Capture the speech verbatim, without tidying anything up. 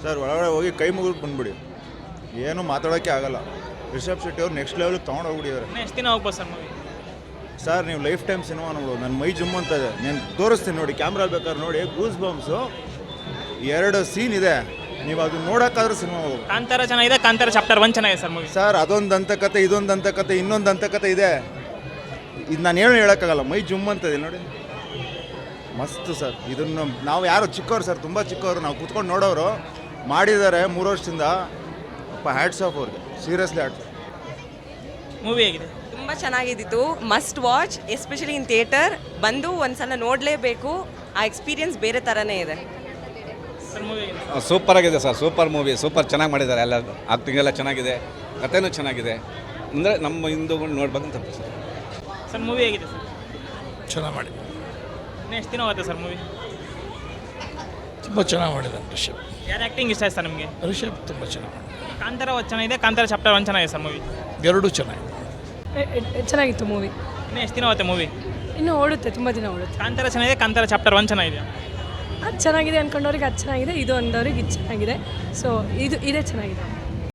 Sir ಒಳಗಡೆ ಹೋಗಿ ಕೈ ಮುಗಿದು ಬಂದ್ಬಿಡಿ, ಏನು ಮಾತಾಡೋಕ್ಕೆ ಆಗಲ್ಲ. ರಿಷಬ್ ಶೆಟ್ಟಿ ಅವ್ರು ನೆಕ್ಸ್ಟ್ ಲೆವೆಲ್ಗೆ ತೊಗೊಂಡು ಹೋಗ್ಬಿಟ್ಟಿದ್ದಾರೆ. ಎಷ್ಟು ದಿನ ಹೋಗ್ಬೋದು ಸರ್ ಮೂವಿ? ಸರ್ ನೀವು ಲೈಫ್ ಟೈಮ್ ಸಿನಿಮಾ ನೋಡ್ಬೋದು. ನನ್ನ ಮೈ ಜುಮ್ ಅಂತ ಇದೆ, ನಾನು ತೋರಿಸ್ತೀನಿ ನೋಡಿ, ಕ್ಯಾಮ್ರಾ ಬೇಕಾದ್ರೆ ನೋಡಿ. ಗೂಸ್ ಬಾಂಬ್ಸು ಎರಡು ಸೀನ್ ಇದೆ, ನೀವು ಅದು ನೋಡೋಕ್ಕಾದ್ರೂ ಸಿನಿಮಾ ಹೋಗಿ. ಕಾಂತಾರ ಚೆನ್ನಾಗಿದೆ, ಕಾಂತಾರ ಚಾಪ್ಟರ್ ಒನ್ ಚೆನ್ನಾಗಿದೆ ಸರ್ ಮೂವಿ. ಸರ್ ಅದೊಂದು ದಂತಕತೆ, ಇದೊಂದು ದಂತಕತೆ, ಇನ್ನೊಂದು ದಂತಕತೆ ಇದೆ. ಇದು ನಾನು ಏನು ಹೇಳೋಕ್ಕಾಗಲ್ಲ, ಮೈ ಜುಮ್ ಅಂತ ಇದೆ ನೋಡಿ. ಮಸ್ತು ಸರ್. ಇದನ್ನು ನಾವು ಯಾರು ಚಿಕ್ಕವರು ಸರ್, ತುಂಬ ಚಿಕ್ಕವರು, ನಾವು ಕೂತ್ಕೊಂಡು ನೋಡೋರು. ಮಾಡಿದ್ದಾರೆ ಮೂರು ವರ್ಷದಿಂದ. ಅಪ್ಪ ಹ್ಯಾಟ್ಸ್ ಆಫ್ ಅವ್ರಿಗೆ, ಸೀರಿಯಸ್ಲಿ ಹ್ಯಾಟ್ಸ್ ಆಫ್. ಮೂವಿ ಹೇಗಿದೆ? ತುಂಬ ಚೆನ್ನಾಗಿದ್ದಿತ್ತು. Must watch, especially in theatre. ಬಂದು ಒಂದ್ಸಲ ನೋಡಲೇಬೇಕು. ಆ ಎಕ್ಸ್ಪೀರಿಯನ್ಸ್ ಬೇರೆ ಥರನೇ ಇದೆ. ಸರ್ ಮೂವಿ ಹೇಗಿದೆ? ಸೂಪರ್ ಆಗಿದೆ ಸರ್, ಸೂಪರ್ ಮೂವಿ, ಸೂಪರ್ ಚೆನ್ನಾಗಿ ಮಾಡಿದ್ದಾರೆ. ಎಲ್ಲ ಆಕ್ಟಿಂಗ್ ಎಲ್ಲ ಚೆನ್ನಾಗಿದೆ, ಕಥೆನೂ ಚೆನ್ನಾಗಿದೆ. ಅಂದರೆ ನಮ್ಮ ಹಿಂದೂಗಳು ನೋಡ್ಬೇಕಂತ ಸರ್. ಸರ್ ಮೂವಿ ಹೇಗಿದೆ ಸರ್? ಚೆನ್ನಾಗಿ ಮಾಡಿ. ಇನ್ನು ಎಷ್ಟು ದಿನ ಹೋಗುತ್ತೆ ಸರ್ ಮೂವಿ? ತುಂಬ ಚೆನ್ನಾಗಿ ಮಾಡಿದ್ದಾನೆ ರಿಷಬ್. ಯಾರು ಆ್ಯಕ್ಟಿಂಗ್ ಇಷ್ಟ ಆಯ್ತು ಸರ್ ನಿಮಗೆ? ರಿಷಬ್ ತುಂಬ ಚೆನ್ನಾಗಿ ಮಾಡಿ. ಕಾಂತಾರ ಒಂದು ಚೆನ್ನಾಗಿದೆ, ಕಾಂತಾರ ಚಾಪ್ಟರ್ ಒನ್ ಚೆನ್ನಾಗಿದೆ ಸರ್ ಮೂವಿ. ಎರಡೂ ಚೆನ್ನಾಗಿದೆ. ಚೆನ್ನಾಗಿತ್ತು ಮೂವಿ. ಇನ್ನು ಎಷ್ಟು ದಿನ ಹೋಗುತ್ತೆ ಮೂವಿ? ಇನ್ನೂ ಓಡುತ್ತೆ, ತುಂಬ ದಿನ ಓಡುತ್ತೆ. ಕಾಂತಾರ ಚೆನ್ನಾಗಿದೆ, ಕಾಂತಾರ ಚಾಪ್ಟರ್ ಒನ್ ಚೆನ್ನಾಗಿದೆ. ಅದು ಚೆನ್ನಾಗಿದೆ ಅಂದ್ಕೊಂಡವ್ರಿಗೆ ಅದು ಚೆನ್ನಾಗಿದೆ, ಇದು ಅಂದವ್ರಿಗೆ ಇದು ಚೆನ್ನಾಗಿದೆ. ಸೊ ಇದು ಇದೇ ಚೆನ್ನಾಗಿದೆ.